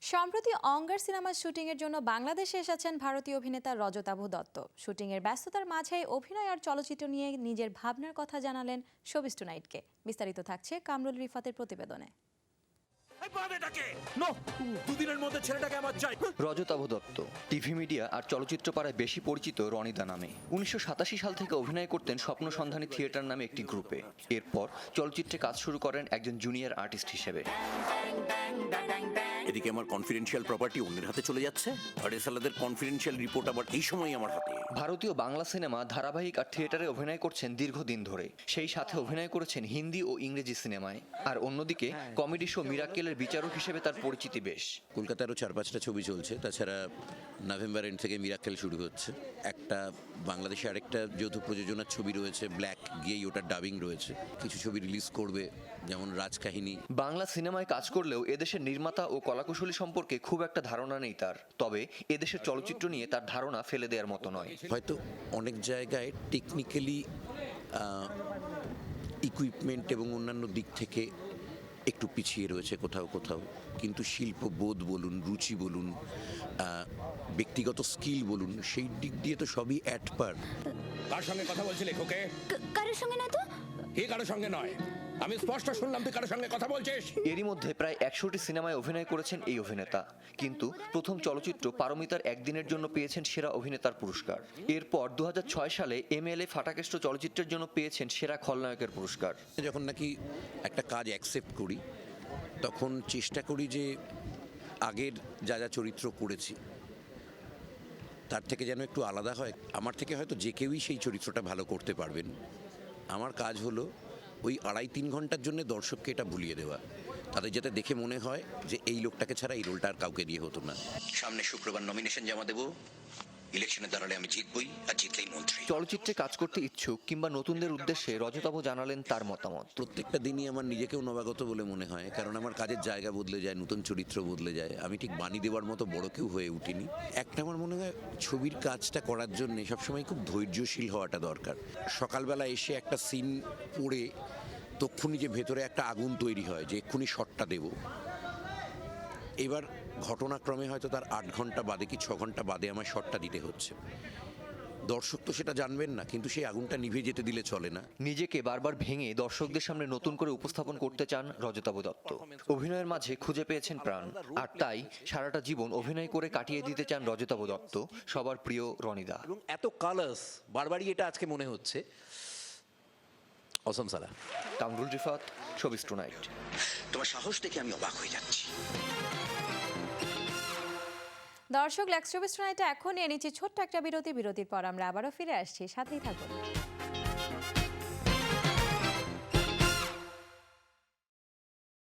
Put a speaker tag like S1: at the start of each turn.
S1: সম্প্রতি অঙ্গার সিনেমার শুটিংয়ের জন্য বাংলাদেশে এসেছেন ভারতীয় অভিনেতা রজতাভ দত্ত। শুটিংয়ের ব্যস্ততার মাঝেই অভিনয় আর চলচ্চিত্র নিয়ে নিজের ভাবনার কথা জানালেন শোবিজ টুনাইটকে। বিস্তারিত থাকছে কামরুল রিফাতের প্রতিবেদনে।
S2: রজতাভ দত্ত টিভি মিডিয়া আর চলচ্চিত্র পাড়ায় বেশি পরিচিত রনিদা নামে। 1987 সাল থেকে অভিনয় করতেন স্বপ্ন সন্ধানী থিয়েটার নামে একটি গ্রুপে। এরপর চলচ্চিত্রে কাজ শুরু করেন একজন জুনিয়র আর্টিস্ট হিসেবে।
S3: এদিকে আমার কনফিডেন্সিয়াল প্রপার্টি অন্যের হাতে চলে যাচ্ছে, আর এসালাদের কনফিডেন্সিয়াল রিপোর্ট আবার এই সময় আমার হাতে।
S2: ভারতীয় বাংলা সিনেমা, ধারাবাহিক আর থিয়েটারে অভিনয় করছেন দীর্ঘদিন ধরে। সেই সাথে অভিনয় করেছেন হিন্দি ও ইংরেজি সিনেমায়। আর অন্যদিকে কমেডি শো মিরাক্কেলের বিচারক হিসেবে তার পরিচিতি বেশ।
S3: কলকাতারও 4-5টা ছবি চলছে, তাছাড়া নভেম্বর এন্ড থেকে মিরাক্কেল শুরু হচ্ছে। একটা বাংলাদেশে আরেকটা যৌথ প্রযোজনার ছবি রয়েছে ব্ল্যাক, গিয়েই ওটা ডাবিং রয়েছে। কিছু ছবি রিলিজ করবে, যেমন রাজকাহিনী।
S2: বাংলা সিনেমায় কাজ করলেও এদেশের নির্মাতা ও কলাকুশলী সম্পর্কে খুব একটা ধারণা নেই তার। তবে এদেশের চলচ্চিত্র নিয়ে তার ধারণা ফেলে দেওয়ার মতো নয়।
S3: হয়তো অনেক জায়গায় টেকনিক্যালি ইকুইপমেন্ট এবং অন্যান্য দিক থেকে একটু পিছিয়ে রয়েছে কোথাও কোথাও, কিন্তু শিল্পবোধ বলুন, রুচি বলুন, ব্যক্তিগত স্কিল বলুন, সেই দিক দিয়ে তো সবই অ্যাট পার।
S4: কার সঙ্গে কথা বলছিলি খোকে?
S5: কারোর সঙ্গে না তো।
S4: কি কারোর সঙ্গে নয়? আমি স্পষ্ট শুনলাম তুই কারোর সঙ্গে কথা বলছিস।
S2: এরই মধ্যে প্রায় 100টি সিনেমায় অভিনয় করেছেন এই অভিনেতা। কিন্তু প্রথম চলচ্চিত্র পারমিতার একদিনের জন্য পেয়েছেন সেরা অভিনেতার পুরস্কার। এরপর 2006 সালে MLA ফাটাকেষ্ট চলচ্চিত্রের জন্য পেয়েছেন সেরা খলনায়কের পুরস্কার।
S3: যখন নাকি একটা কাজ অ্যাকসেপ্ট করি, তখন চেষ্টা করি যে আগের যা যা চরিত্র করেছি তার থেকে যেন একটু আলাদা হয়। আমার থেকে হয়তো যে কেউই সেই চরিত্রটা ভালো করতে পারবেন। আমার কাজ হলো ওই 2.5-3 ঘন্টার জন্য দর্শককে এটা ভুলিয়ে দেওয়া, তাদের যাতে দেখে মনে হয় যে এই লোকটাকে ছাড়া এই রোলটা আর কাউকে দিয়ে হতো না। সামনে শুক্রবার নমিনেশন জমা দেবো। ইলেকশনে দাঁড়ালে আমি জিতবই, আর জিতলেই মন্ত্রী।
S2: চলচ্চিত্রে কাজ করতে ইচ্ছুক কিংবা নতুনদের উদ্দেশ্যে রজতাভ জানালেন তার মতামত।
S3: প্রত্যেকটা দিনই আমার নিজেকেও নবাগত বলে মনে হয়, কারণ আমার কাজের জায়গা বদলে যায়, নতুন চরিত্র বদলে যায়। আমি ঠিক বাণী দেওয়ার মতো বড় কেউ হয়ে উঠিনি। একটা আমার মনে হয় ছবির কাজটা করার জন্য সবসময় খুব ধৈর্যশীল হওয়াটা দরকার। সকালবেলা এসে একটা সিন পড়ে তক্ষুনি যে ভেতরে একটা আগুন তৈরি হয় যে এক্ষুনি শটটা দেব, এবার ঘটনাক্রমে হয়তো তার 8 ঘন্টা বাদে কি 6 ঘন্টা বাদে আমার শটটা দিতে হচ্ছে। দর্শক তো সেটা জানবেন না, কিন্তু সেই আগুনটা নিভে যেতে দিলে চলে না।
S2: নিজেকে বারবার ভেঙে দর্শকদের সামনে নতুন করে উপস্থাপন করতে চান রজতাভ দত্ত। অভিনয়ের মাঝে খুঁজে পেয়েছেন প্রাণ, আর তাই সারাটা জীবন অভিনয় করে কাটিয়ে দিতে চান রজতাভ দত্ত, সবার প্রিয় রনিদা।
S6: এবং এত কালার্স বারবারই এটা আজকে মনে হচ্ছে অসম সালা।
S2: Kamrul Rifat, showbiz tonight.
S3: তোমার সাহস দেখে আমি অবাক হয়ে যাচ্ছি।
S1: দর্শক, লেক্স শোবিজ টুনাইটে এখন নিয়ে নিচ্ছি ছোট্ট একটা বিরতির পর আমরা আবারও ফিরে আসছি, সাথেই থাকুন।